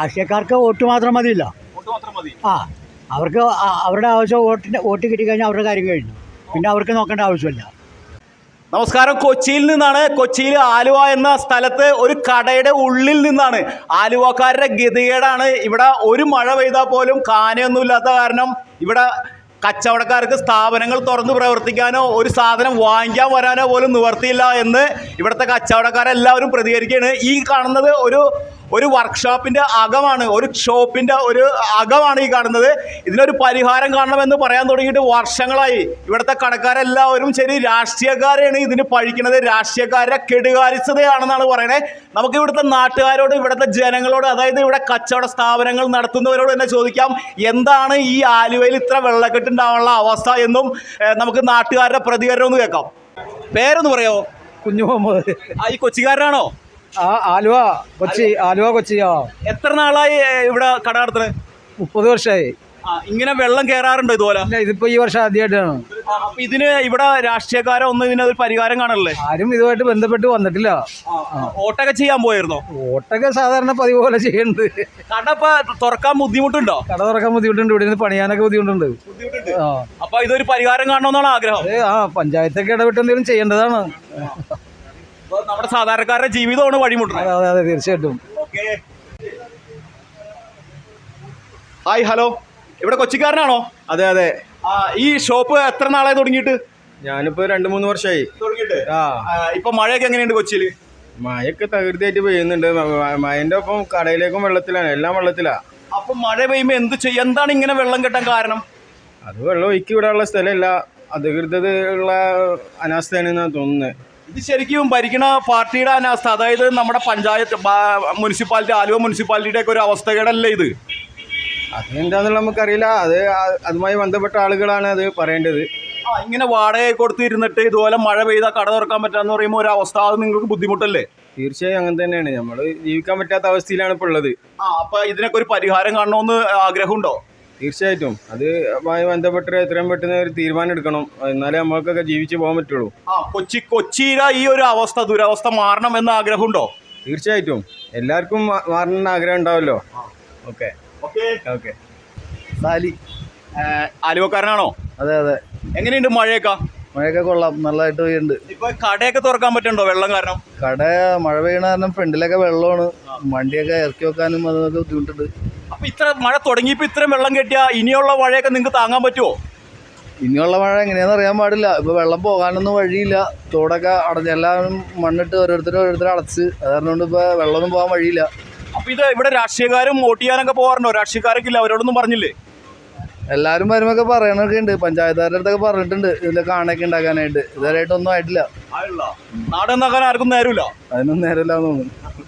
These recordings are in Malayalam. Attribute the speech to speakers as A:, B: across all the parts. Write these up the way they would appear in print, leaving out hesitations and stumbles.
A: രാഷ്ട്രീയക്കാർക്ക് വോട്ട് മാത്രം മതിയില്ല. ആ, അവർക്ക് അവരുടെ ആവശ്യം വോട്ട് കിട്ടിക്കഴിഞ്ഞാൽ അവരുടെ കാര്യം കഴിഞ്ഞു. പിന്നെ അവർക്ക് നോക്കേണ്ട ആവശ്യമില്ല.
B: നമസ്കാരം. കൊച്ചിയിൽ നിന്നാണ്. കൊച്ചിയിൽ ആലുവ എന്ന സ്ഥലത്ത് ഒരു കടയുടെ ഉള്ളിൽ നിന്നാണ്. ആലുവക്കാരുടെ ഗതികേടാണ്. ഇവിടെ ഒരു മഴ പെയ്താൽ പോലും കാനയൊന്നുമില്ലാത്ത കാരണം ഇവിടെ കച്ചവടക്കാർക്ക് സ്ഥാപനങ്ങൾ തുറന്ന് പ്രവർത്തിക്കാനോ ഒരു സാധനം വാങ്ങിക്കാൻ വരാനോ പോലും നിവർത്തിയില്ല എന്ന് ഇവിടുത്തെ കച്ചവടക്കാരെല്ലാവരും പ്രതികരിക്കുകയാണ്. ഈ കാണുന്നത് ഒരു വർക്ക്ഷോപ്പിൻ്റെ അകമാണ്, ഒരു ഷോപ്പിൻ്റെ ഒരു അകമാണ് ഈ കാണുന്നത്. ഇതിനൊരു പരിഹാരം കാണണമെന്ന് പറയാൻ തുടങ്ങിയിട്ട് വർഷങ്ങളായി. ഇവിടുത്തെ കടക്കാരെല്ലാവരും ശരി രാഷ്ട്രീയക്കാരെയാണ് ഇതിന് പഴിക്കുന്നത്. രാഷ്ട്രീയക്കാരുടെ കെടുകാര്യസ്ഥതയാണെന്നാണ് പറയണത്. നമുക്ക് ഇവിടുത്തെ നാട്ടുകാരോട്, ഇവിടുത്തെ ജനങ്ങളോട്, അതായത് ഇവിടെ കച്ചവട സ്ഥാപനങ്ങൾ നടത്തുന്നവരോട് തന്നെ ചോദിക്കാം, എന്താണ് ഈ ആലുവയിൽ ഇത്ര വെള്ളക്കെട്ടുണ്ടാവാനുള്ള അവസ്ഥ എന്നും നമുക്ക് നാട്ടുകാരുടെ പ്രതികരണം ഒന്ന് കേൾക്കാം. പേരൊന്ന് പറയാമോ?
A: കുഞ്ഞു മുഹമ്മദ്.
B: ഈ കൊച്ചിക്കാരനാണോ?
A: ആലുവ കൊച്ചി.
B: എത്ര നാളായി ഇവിടെ കട നടത്തുന്നത്?
A: 30 വർഷമായി.
B: ഇങ്ങനെ വെള്ളം കയറാറുണ്ടോ ഇതുപോലെ?
A: ഇതിപ്പോ ഈ വർഷം ആദ്യമായിട്ടാണ്.
B: അപ്പൊ ഇതിന് ഇവിടെ രാഷ്ട്രീയക്കാരോ ഒന്നും ഇതിനൊരു പരിഹാരം കാണല്ലേ?
A: ആരും ഇതുമായിട്ട് ബന്ധപ്പെട്ട് വന്നിട്ടില്ല.
B: വോട്ടൊക്കെ ചെയ്യാൻ പോയിരുന്നോ?
A: വോട്ടൊക്കെ സാധാരണ പതിവ് പോലെ ചെയ്യുന്നുണ്ട്.
B: കട ഇപ്പൊ തുറക്കാൻ ബുദ്ധിമുട്ടുണ്ടോ?
A: കട തുറക്കാൻ ബുദ്ധിമുട്ടുണ്ട്. ഇവിടെ നിന്ന് പണിയാനൊക്കെ ബുദ്ധിമുട്ടുണ്ട്.
B: അപ്പൊ ഇതൊരു പരിഹാരം കാണണമെന്നാണ് ആഗ്രഹം.
A: പഞ്ചായത്തൊക്കെ ഇടപെട്ട് എന്തെങ്കിലും ചെയ്യേണ്ടതാണ്.
B: നമ്മുടെ സാധാരണക്കാരുടെ ജീവിതമാണ് വഴിമുട്ടുന്നത്.
A: അതെ, തീർച്ചയായിട്ടും.
B: Hi, hello. ഇവിടെ കൊച്ചിക്കാരനാണോ?
C: അതെ.
B: ഈ ഷോപ്പ് എത്ര നാളായി തുടങ്ങിയിട്ട്?
C: ഞാനിപ്പോ 2-3 വർഷമായി
B: തുടങ്ങിയിട്ട്. ഇപ്പൊ മഴയൊക്കെ എങ്ങനെയുണ്ട് കൊച്ചിയിൽ?
C: മഴയൊക്കെ തകൃതിയായിട്ട് പെയ്യുന്നുണ്ട്. മഴന്റെ ഒപ്പം കടയിലേക്കും വെള്ളത്തിലാണ്, എല്ലാം വെള്ളത്തിലാ.
B: അപ്പൊ മഴ പെയ്യുമ്പോ എന്ത് ചെയ്യും? എന്താണ് ഇങ്ങനെ വെള്ളം കെട്ടാൻ കാരണം?
C: അത് വെള്ളം ഒഴുക്കി വിടാനുള്ള സ്ഥലമില്ല, അധികൃതരുള്ള അനാസ്ഥയാണെന്നാണ് തോന്നുന്നത്.
B: ഇത് ശരിക്കും ഭരിക്കണ പാർട്ടിയുടെ അനാസ്ഥ, അതായത് നമ്മുടെ പഞ്ചായത്ത്, മുനിസിപ്പാലിറ്റി, ആലുവ മുനിസിപ്പാലിറ്റിയുടെ ഒക്കെ ഒരു അവസ്ഥകേടല്ലേ ഇത്?
C: അതെന്താന്നുള്ള നമുക്കറിയില്ല. അതുമായി ബന്ധപ്പെട്ട ആളുകളാണ് അത് പറയേണ്ടത്.
B: ഇങ്ങനെ വാടക കൊടുത്തിരുന്നിട്ട് ഇതുപോലെ മഴ പെയ്താൽ കട തുറക്കാൻ പറ്റാന്ന് പറയുമ്പോൾ ഒരു അവസ്ഥ, അത് നിങ്ങൾക്ക് ബുദ്ധിമുട്ടല്ലേ?
C: തീർച്ചയായും അങ്ങനെ തന്നെയാണ്. നമ്മൾ ജീവിക്കാൻ പറ്റാത്ത അവസ്ഥയിലാണ് ഇപ്പോൾ ഉള്ളത്.
B: അപ്പൊ ഇതിനൊക്കെ ഒരു പരിഹാരം കാണണമെന്ന് ആഗ്രഹമുണ്ടോ?
C: തീർച്ചയായിട്ടും അതുമായി ബന്ധപ്പെട്ട് എത്രയും പെട്ടെന്ന് ഒരു തീരുമാനം എടുക്കണം, എന്നാലേ നമ്മൾക്കൊക്കെ ജീവിച്ചു പോകാൻ പറ്റുള്ളൂ.
B: കൊച്ചിയിലെ ഈ ഒരു അവസ്ഥ, ദുരവസ്ഥ മാറണം എന്ന ആഗ്രഹമുണ്ടോ?
C: തീർച്ചയായിട്ടും എല്ലാവർക്കും മാറണമെന്ന് ആഗ്രഹം ഉണ്ടാവല്ലോ. ഓക്കെ.
A: സാലി.
B: ആലുവക്കാരനാണോ?
A: അതെ.
B: എങ്ങനെയുണ്ട് മഴയൊക്കെ?
A: കൊള്ളാം, നല്ലതായിട്ട് പെയ്യുന്നുണ്ട്.
B: ഇപ്പൊ കടയൊക്കെ തുറക്കാൻ പറ്റുന്നുണ്ടോ വെള്ളം കാരണം?
A: കട മഴ പെയ്യണ കാരണം ഫ്രണ്ടിലൊക്കെ വെള്ളമാണ്. വണ്ടിയൊക്കെ ഇറക്കി വെക്കാനും അതൊക്കെ ബുദ്ധിമുട്ടുണ്ട്.
B: അപ്പൊ ഇത്ര മഴ തുടങ്ങിയപ്പോ ഇത്രയും വെള്ളം കെട്ടിയാ ഇനിയുള്ള മഴയൊക്കെ നിങ്ങൾക്ക് താങ്ങാൻ പറ്റുമോ?
A: ഇനിയുള്ള മഴ എങ്ങനെയാണെന്ന് അറിയാൻ പാടില്ല. ഇപ്പൊ വെള്ളം പോകാനൊന്നും വഴിയില്ല. തോടൊക്കെ അടഞ്ഞ് എല്ലാവരും മണ്ണിട്ട് ഓരോരുത്തർ അടച്ച്, അത് കാരണം കൊണ്ട് ഇപ്പൊ വെള്ളമൊന്നും പോകാൻ വഴിയില്ല.
B: അപ്പൊ ഇത് ഇവിടെ രാഷ്ട്രീയക്കാരും വോട്ട് ചെയ്യാനൊക്കെ പോകാറുണ്ടോ? രാഷ്ട്രീയക്കാരൊക്കെ ഇല്ല, അവരോടൊന്നും പറഞ്ഞില്ലേ?
A: എല്ലാവരും വരുമ്പൊക്കെ പറയണൊക്കെ ഉണ്ട്. പഞ്ചായത്തുകാരുടെ അടുത്തൊക്കെ പറഞ്ഞിട്ടുണ്ട് ഇതിന്റെ കാണൊക്കെ ഉണ്ടാക്കാനായിട്ട്. ഇതുവരെയായിട്ട് ഒന്നും ആയിട്ടില്ല.
B: നാട് നന്നാക്കാൻ ആർക്കും നേരമില്ല.
A: അതിനൊന്നും നേരമില്ല തോന്നുന്നു.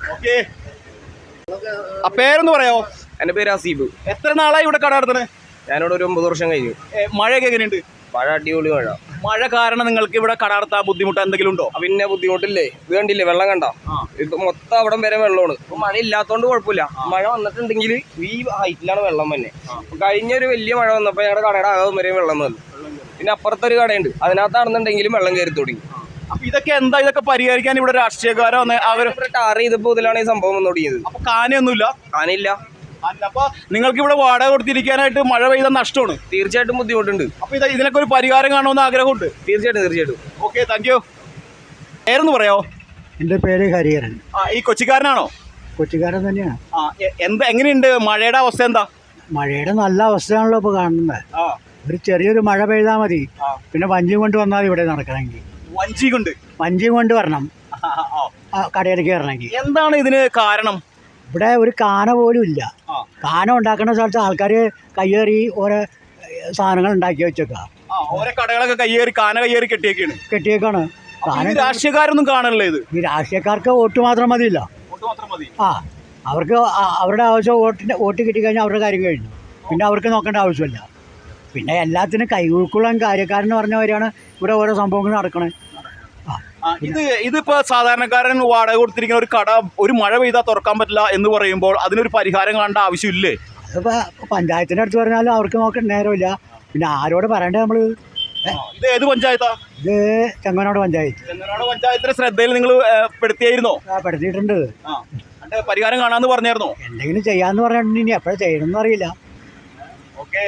B: പേരൊന്ന് പറയാമോ?
D: എൻ്റെ പേര് അസീബ്.
B: എത്ര നാളായി ഇവിടെ കട നടത്തണേ?
D: ഞാനിവിടെ ഒരു 9 വർഷം കഴിഞ്ഞു.
B: മഴയൊക്കെ എങ്ങനെയുണ്ട്?
D: മഴ അടിപൊളി മഴ.
B: മഴ കാരണം നിങ്ങൾക്ക് ഇവിടെ കട നടത്താൻ ബുദ്ധിമുട്ട് എന്തെങ്കിലും ഉണ്ടോ?
D: പിന്നെ ബുദ്ധിമുട്ടില്ലേ? ഇത് കണ്ടില്ലേ, വെള്ളം കണ്ട? ഇപ്പൊ മൊത്തം അവിടം വരെ വെള്ളമാണ്. ഇപ്പൊ മഴ ഇല്ലാത്തോണ്ട് കുഴപ്പമില്ല. മഴ വന്നിട്ടുണ്ടെങ്കിൽ ഈ ഹൈറ്റിലാണ് വെള്ളം തന്നെ. കഴിഞ്ഞൊരു വലിയ മഴ വന്നപ്പോൾ ഞങ്ങളുടെ കടയുടെ അകം വരെ വെള്ളം വന്നു. പിന്നെ അപ്പുറത്തൊരു കടയുണ്ട്, അതിനകത്താണെന്നുണ്ടെങ്കിലും വെള്ളം കയറി തുടങ്ങി.
B: അപ്പൊ ഇതൊക്കെ പരിഹരിക്കാൻ ഇവിടെ രാഷ്ട്രീയക്കാരോ
D: ടാർ ചെയ്തപ്പോൾ ഇതിലാണ് ഈ സംഭവം വന്നു തുടങ്ങിയത്.
B: അപ്പൊ കാനയൊന്നുമില്ല?
D: കാനില്ല.
B: അപ്പൊ നിങ്ങൾക്ക് ഇവിടെ വാടക കൊടുത്തിരിക്കാനായിട്ട് മഴ പെയ്ത നഷ്ടമാണ്.
D: തീർച്ചയായിട്ടും ബുദ്ധിമുട്ടുണ്ട്.
B: അപ്പൊ ഇതിനൊക്കെ ഒരു പരിഹാരം കാണുമെന്ന് ആഗ്രഹമുണ്ട്.
D: തീർച്ചയായിട്ടും.
B: Okay, thank you. പേരൊന്ന് പറയാമോ?
A: എൻ്റെ പേര് ഹരിഹരൻ.
B: ഈ കൊച്ചിക്കാരനാണോ?
A: കൊച്ചിക്കാരൻ തന്നെയാണ്.
B: എങ്ങനെയുണ്ട് മഴയുടെ അവസ്ഥ? എന്താ
A: മഴയുടെ നല്ല അവസ്ഥയാണല്ലോ ഇപ്പോൾ കാണുന്നത്. ഒരു ചെറിയൊരു മഴ പെയ്താൽ മതി, പിന്നെ വഞ്ചിയും കൊണ്ട് വന്നാൽ ഇവിടെ നടക്കണമെങ്കിൽ. വഞ്ചിയും കൊണ്ട് വരണം കടയിലേക്ക് കയറണമെങ്കിൽ.
B: എന്താണ് ഇതിന് കാരണം?
A: ഇവിടെ ഒരു കാന പോലും ഇല്ല. കാന ഉണ്ടാക്കുന്ന സ്ഥലത്ത് ആൾക്കാർ കയ്യേറി ഓരോ സാധനങ്ങൾ ഉണ്ടാക്കി വെച്ചേക്കാം.
B: ഓരോ കടകളൊക്കെ കാന കയ്യേറി കെട്ടിയേക്കാണ്. രാഷ്ട്രീയക്കാരൊന്നും കാണണല്ലേ ഇത്?
A: ഈ രാഷ്ട്രീയക്കാർക്ക് വോട്ട് മാത്രം മതിയില്ല. അവർക്ക് അവരുടെ ആവശ്യം വോട്ട് കിട്ടിക്കഴിഞ്ഞാൽ അവരുടെ കാര്യം കഴിഞ്ഞു. പിന്നെ അവർക്ക് നോക്കേണ്ട ആവശ്യമില്ല. പിന്നെ എല്ലാത്തിനും കൈകൊടുക്കുള്ള കാര്യക്കാരെന്ന് പറഞ്ഞവരാണ് ഇവിടെ ഓരോ സംഭവങ്ങൾ നടക്കണേ.
B: ഇതിപ്പോ സാധാരണക്കാരൻ വാടക കൊടുത്തിരിക്കുന്ന ഒരു കട ഒരു മഴ പെയ്താൽ തുറക്കാൻ പറ്റില്ല എന്ന് പറയുമ്പോൾ അതിനൊരു പരിഹാരം കാണേണ്ട ആവശ്യമില്ലേ?
A: അതിപ്പോൾ പഞ്ചായത്തിൻ്റെ അടുത്ത് പറഞ്ഞാലും അവർക്ക് നോക്കാൻ നേരമില്ല. പിന്നെ ആരോട് പറയണ്ടേ നമ്മൾ?
B: ഇത് ഏത് പഞ്ചായത്താ?
A: ഇത് ചെങ്ങനാട് പഞ്ചായത്ത്.
B: ചെങ്ങനാട് പഞ്ചായത്തിന്റെ ശ്രദ്ധയിൽ നിങ്ങൾ പെടുത്തിയായിരുന്നോ?
A: പെടുത്തിയിട്ടുണ്ട്.
B: പരിഹാരം കാണാന്ന് പറഞ്ഞായിരുന്നോ?
A: എന്തെങ്കിലും ചെയ്യാന്ന് പറഞ്ഞിട്ടുണ്ട്. ഇനി എപ്പോഴാണ് ചെയ്യണമെന്ന് അറിയില്ല.
B: ഓക്കെ.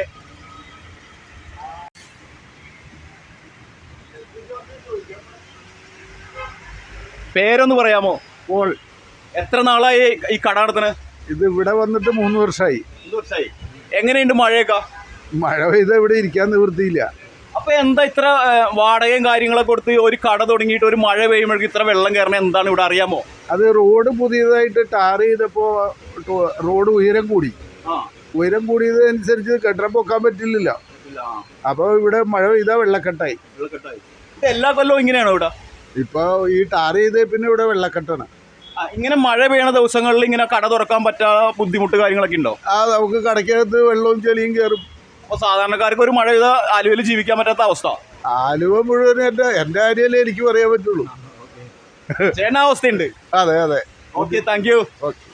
B: പേരൊന്ന് പറയാമോ?
E: പോൾ.
B: എത്ര നാളായി ഈ കട നടത്തണേ?
E: ഇത് ഇവിടെ വന്നിട്ട് 3 വർഷമായി.
B: 3 വർഷമായി. എങ്ങനെയുണ്ട് മഴയൊക്കെ?
E: മഴ പെയ്ത ഇവിടെ ഇരിക്കാൻ നിവൃത്തിയില്ല.
B: അപ്പൊ എന്താ ഇത്ര വാടകയും കാര്യങ്ങളൊക്കെ കൊടുത്ത് ഒരു കട തുടങ്ങിയിട്ട് ഒരു മഴ പെയ്യുമ്പോഴേക്ക് ഇത്ര വെള്ളം കയറണ എന്താണ് ഇവിടെ അറിയാമോ?
E: അത് റോഡ് പുതിയതായിട്ട് ടാർ ചെയ്തപ്പോൾ റോഡ് ഉയരം കൂടി. ഉയരം കൂടിയതനുസരിച്ച് കെട്ടിടം പൊക്കാൻ പറ്റില്ലല്ലോ. അപ്പോൾ ഇവിടെ മഴ പെയ്താൽ വെള്ളക്കെട്ടായി.
B: എല്ലാ കൊല്ലവും ഇങ്ങനെയാണോ ഇവിടെ?
E: ഇപ്പോൾ ഈ ടാർ ചെയ്തേ പിന്നെ ഇവിടെ വെള്ളക്കെട്ടാണ്.
B: ഇങ്ങനെ മഴ പെയ്യണ ദിവസങ്ങളിൽ ഇങ്ങനെ കട തുറക്കാൻ പറ്റാത്ത ബുദ്ധിമുട്ട് കാര്യങ്ങളൊക്കെ ഉണ്ടോ?
E: നമുക്ക് കടയ്ക്കകത്ത് വെള്ളവും ചെളിയും കയറും.
B: അപ്പോൾ സാധാരണക്കാർക്ക് ഒരു മഴ പെയ്താൽ ആലുവയിൽ ജീവിക്കാൻ പറ്റാത്ത അവസ്ഥ.
E: ആലുവ മുഴുവൻ എൻ്റെ കാര്യമല്ലേ എനിക്ക് പറയാൻ പറ്റുള്ളൂ.
B: ചേട്ടൻ അവസ്ഥയുണ്ട്.
E: അതെ.
B: Okay, thank you.
E: ഓക്കെ.